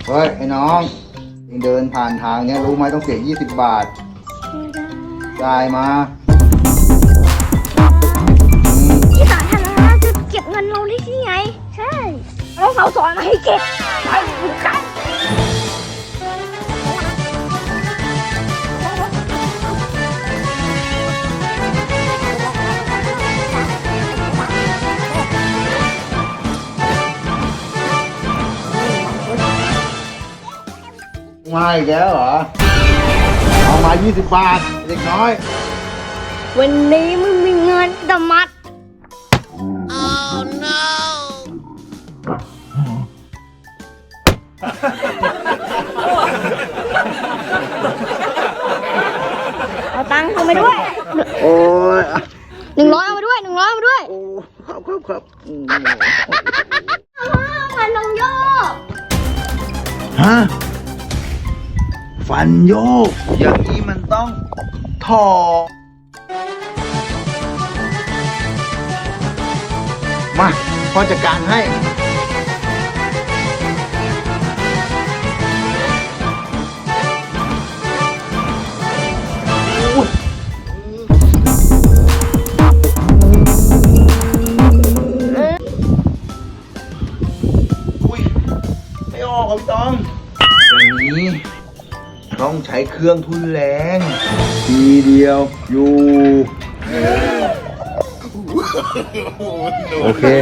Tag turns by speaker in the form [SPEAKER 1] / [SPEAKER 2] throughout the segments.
[SPEAKER 1] เฮ้ยไอ้น้องเองเดินผ่านทางเนี้ยรู้ไหมต้องเสีย20 บาทจ่ายมา
[SPEAKER 2] ที่สาธารณะจะเก็บเงินเราได้ที่ไงใช่เราสอนมาให้เก็บไปดูกัน
[SPEAKER 1] มาอีกแล้วเหรอเอามา20 บาทเด็กน้อย
[SPEAKER 2] วันนี้มึงมีเงินแต่มัดเอาตังค์เข้ามาด้วย
[SPEAKER 1] โอ้ย
[SPEAKER 2] 100เอามาด้วย100เอามาด้วย
[SPEAKER 1] โอ้ครับ
[SPEAKER 2] ฟันลงโยก
[SPEAKER 1] ฮะฟันโยกอย่างนี้มันต้องถอดมาพ่อจัดการให้ไม่ออกครับพี่ตองอย่างนี้ต้องใช้เครื่องทุนแรงทีเดียวอยู่โอเค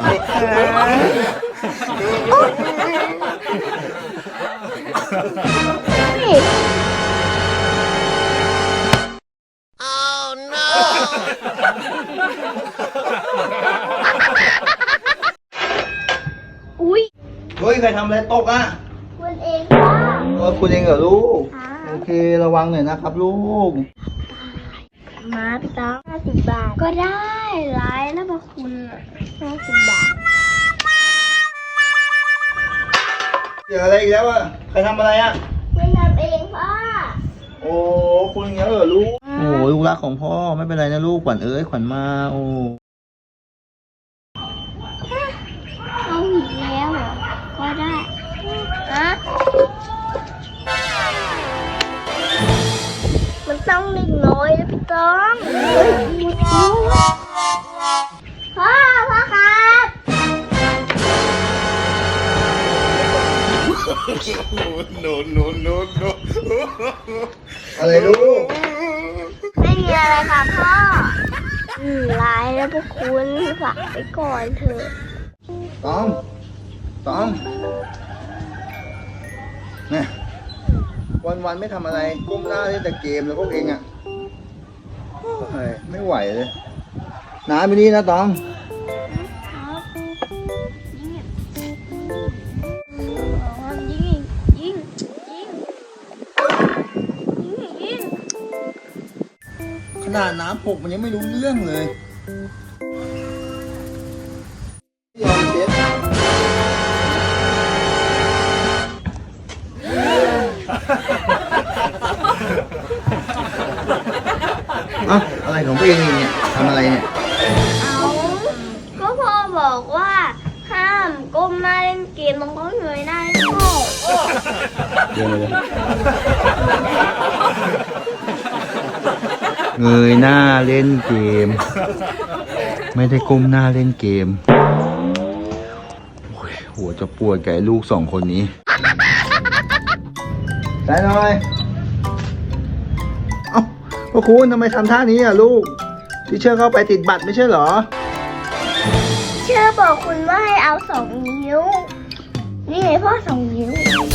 [SPEAKER 2] อุ้ย
[SPEAKER 1] เฮ้ยใครทำอะไรตกอ่ะ
[SPEAKER 2] คุณเองค่ะ
[SPEAKER 1] คุณเองเหรอลูกโอเคระวังหน่อยนะครับลูก
[SPEAKER 2] มาพี่ต๊อก50 บาทก็ได้ร้ายแล้วมาคุณ50 บาท
[SPEAKER 1] เดี๋ยวอะไรอีกแล้วอ่ะใครทำอะไรอ่ะ
[SPEAKER 2] คุณทำเองพ่อ
[SPEAKER 1] โอ้คุณอย่างเงี้ยเหรอลูกโอ้ลูกรักของพ่อไม่เป็นไรนะลูกขวัญเอ้ยขวัญมาโอ้
[SPEAKER 2] เอาอีกแล้วเหรอก็ได้ฮะมันต้องเล็กน้อยนะพี่ต้องพ่อครับ
[SPEAKER 1] no อะไรลูก
[SPEAKER 2] ไม่มีอะไรค่ะพ่อร้ายแล้วพวกคุณฝากไปก่อนเถอะ
[SPEAKER 1] ต้องเนี่ยวันไม่ทำอะไรก้มหน้าเล่นแต่เกมแล้วพวกเองอ่ะไม่ไหวเลยน้าไปนี่นะต้องขนาดน้ำหกมันยังไม่รู้เรื่องเลยยอมเช็ดอะไรของตัวเองเนี่ยทำอะไรเนี่ย
[SPEAKER 2] ก็พ่อบอกว่าห้ามก้มหน้าเล่นเกมมันก็เงยหน้าเล่นโง่
[SPEAKER 1] เงยหน้าเล่นเกมไม่ได้ก้มหน้าเล่นเกมหัวจะปวดกับลูก2 คนนี้ได้หน่อยเอ้าพ่อคุณทำไมทำท่านี้อ่ะลูกที่เชื่อเข้าไปติดบัตรไม่ใช่เหรอ
[SPEAKER 2] เชื่อบอกคุณว่าให้เอา2 นิ้วนี่ไงพ่อ2 นิ้ว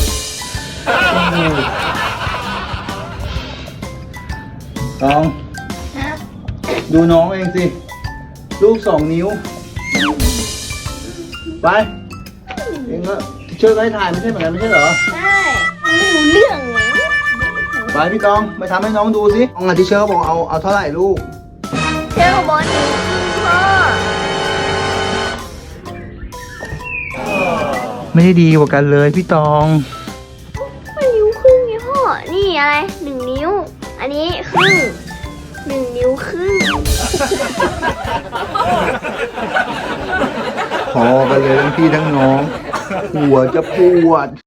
[SPEAKER 1] ต้องดูน้องเองสิลูก2 นิ้วไปเองก็เชื่อให้ถ่ายไม่ใช่เหมือนกันไม่ใช่เหรอ
[SPEAKER 2] ใช่ไม่รู้เรื่องเลย
[SPEAKER 1] ไปพี่ตองไปทำให้น้องดูสิน้องที่เชื่อบอกเอาเท่าไหร่ลูก
[SPEAKER 2] เชื่อบอก1 นิ้วพ่อ
[SPEAKER 1] ไม่ได้ดีกว่ากันเลยพี่ตอง
[SPEAKER 2] มันนิ้วครึ่งไงพ่อนี่อะไร1 นิ้วอันนี้ครึ่ง1 นิ้วครึ่ง
[SPEAKER 1] พอกันเลยทั้งพี่ทั้งน้องหัวจะปวด